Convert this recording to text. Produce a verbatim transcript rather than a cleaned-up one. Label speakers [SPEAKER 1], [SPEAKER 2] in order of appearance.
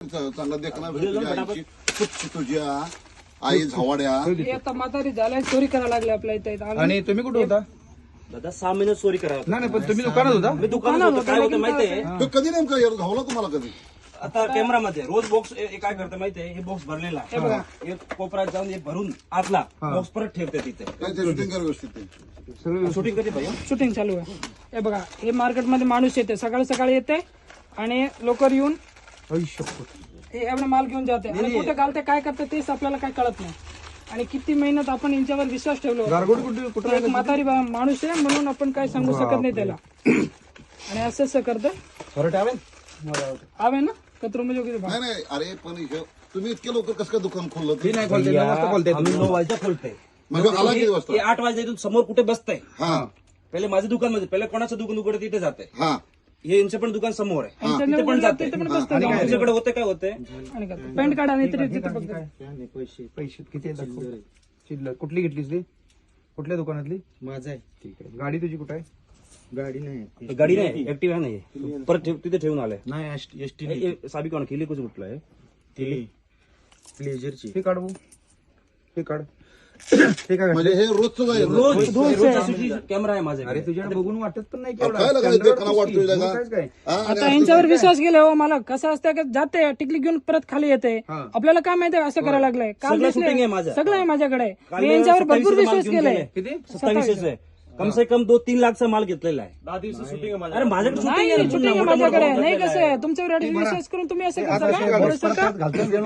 [SPEAKER 1] चांगला देखना तुझ्या आईची स्वच्छ तुझ्या आई झवाड्या
[SPEAKER 2] हे आता म्हातारी झालाय चोरी करायला लागले आपल्या इथे आम्ही-
[SPEAKER 3] आणि तुम्ही कुठे होता?
[SPEAKER 4] दादा सहा महिने चोरी करा
[SPEAKER 3] नाही नाही, पण तुम्ही दुकानात होता?
[SPEAKER 4] मी दुकानात होतो. काय होतं माहितीये
[SPEAKER 1] तो कधी नेमका येतो घावला तुम्हाला कधी
[SPEAKER 4] आता कॅमेरामध्ये रोज बॉक्स काय करतं माहितीये हे बॉक्स भरलेला
[SPEAKER 2] हे बघा.
[SPEAKER 4] आहे एक कोपऱ्यात जाऊन हे भरून आतला बॉक्स परत ठेवते तिथे
[SPEAKER 1] काय ते शूटिंग कर व्यवस्थित ते.
[SPEAKER 3] सगळं
[SPEAKER 4] शूटिंग कधी पाहिजे
[SPEAKER 2] शूटिंग चालू आहे. हे बघा हे मार्केटमध्ये माणूस येते सकाळी सकाळी येते आणि लोकर येऊन हे एवढा माल घेऊन जाते आणि कुठे घालते काय करते तेच आपल्याला काय कळत नाही. आणि किती मेहनत आपण यांच्यावर विश्वास ठेवलो.
[SPEAKER 3] गारगोट कुठे कुठे
[SPEAKER 2] एक म्हातारी बा- माणूस आहे म्हणून आपण काय सांगू शकत नाही त्याला. आणि असं असं करतं
[SPEAKER 3] परत आवे
[SPEAKER 2] आवे ना कचरो म्हणजे किती भाव.
[SPEAKER 1] नाही नाही अरे पण हे- तुम्ही इतके लवकर कसं काय दुकान खोललं
[SPEAKER 3] ते
[SPEAKER 1] ते?
[SPEAKER 3] नाही खोलते नऊ वाजता खोलते.
[SPEAKER 4] आम्ही नऊ वाजता खोलतोय
[SPEAKER 1] मग आला किती
[SPEAKER 4] हे
[SPEAKER 1] वाजता?
[SPEAKER 4] आठ वाजता इथून समोर कुठे बसतंय
[SPEAKER 1] हा
[SPEAKER 4] पहिले माझं दुकान मध्ये पहिले कोणाचं दुकान उघडत तिथे जाते
[SPEAKER 1] हा
[SPEAKER 4] हे यांचं पण दुकान समोर आहे
[SPEAKER 2] त्यांच्या
[SPEAKER 4] तिथे पण
[SPEAKER 2] उघडलं
[SPEAKER 4] जाते
[SPEAKER 2] तिथे पण बसतं जाऊन.
[SPEAKER 4] तुमच्याकडे होते काय होते
[SPEAKER 2] आणि करतो. पॅन्ट काढा नाही तरी तिथे बघतो.
[SPEAKER 3] पैसे पैसे किती आहेत दाखव. शिल्लक कुठली घेतलीस ती? कुठल्या दुकानातली?
[SPEAKER 5] माझा आहे.
[SPEAKER 3] ठीक आहे. गाडी तुझी कुठे आहे?
[SPEAKER 5] गाडी नाही
[SPEAKER 4] गाडी नाही ऍक्टिव्ह नाही परत ठेव- तिथे ठेवून आलाय
[SPEAKER 5] नाही एस टी
[SPEAKER 4] ए- ए- साबी कोण केली कुठे कुठलं आहे
[SPEAKER 5] ती प्लेजरची
[SPEAKER 3] हे काढ भाऊ. हे काढ. हे काय
[SPEAKER 1] म्हणजे हे रोजचं आहे
[SPEAKER 4] रोज रोज कॅमेरा आहे माझ्याकडे
[SPEAKER 3] अरे तुझ्याकडे बघून वाटत पण नाही
[SPEAKER 1] काय लागलं देखना वाटतोय
[SPEAKER 3] मग
[SPEAKER 1] का?
[SPEAKER 3] कायच काय?
[SPEAKER 1] हा, आणि
[SPEAKER 2] आता यांच्यावर विश्वास केला हो मला कसं असतं की जाते टिकली घेऊन परत खाली येते
[SPEAKER 3] हा.
[SPEAKER 2] आपल्याला काय माहिती असं करायला लागलंय काल
[SPEAKER 4] सगळं
[SPEAKER 2] दिसलंय.
[SPEAKER 4] shooting आहे माझं.
[SPEAKER 2] सगळं आहे माझ्याकडे
[SPEAKER 4] काल
[SPEAKER 2] मी यांच्यावर
[SPEAKER 4] सत्तावीस
[SPEAKER 2] भरपूर
[SPEAKER 4] माल
[SPEAKER 2] विश्वास
[SPEAKER 4] घेऊन
[SPEAKER 2] केलाय.
[SPEAKER 4] गेले.
[SPEAKER 3] किती?
[SPEAKER 4] सत्तावीस आहे कम से कम दो तीन लाखचा माल घेतलेला आहे दहा दिवस शूटिंग अरे माझ्याकडे shooting
[SPEAKER 2] नाही
[SPEAKER 4] आहे ना,
[SPEAKER 2] shooting आहे
[SPEAKER 4] मोठं- मोठं
[SPEAKER 2] माझ्याकडे
[SPEAKER 4] मोठं
[SPEAKER 2] नाही
[SPEAKER 4] मोठं
[SPEAKER 2] कसं आहे तुमच्यावर एवढे विश्वास करून तुम्ही असं करता का?
[SPEAKER 3] आता
[SPEAKER 2] थोडंसं का?
[SPEAKER 3] घालतो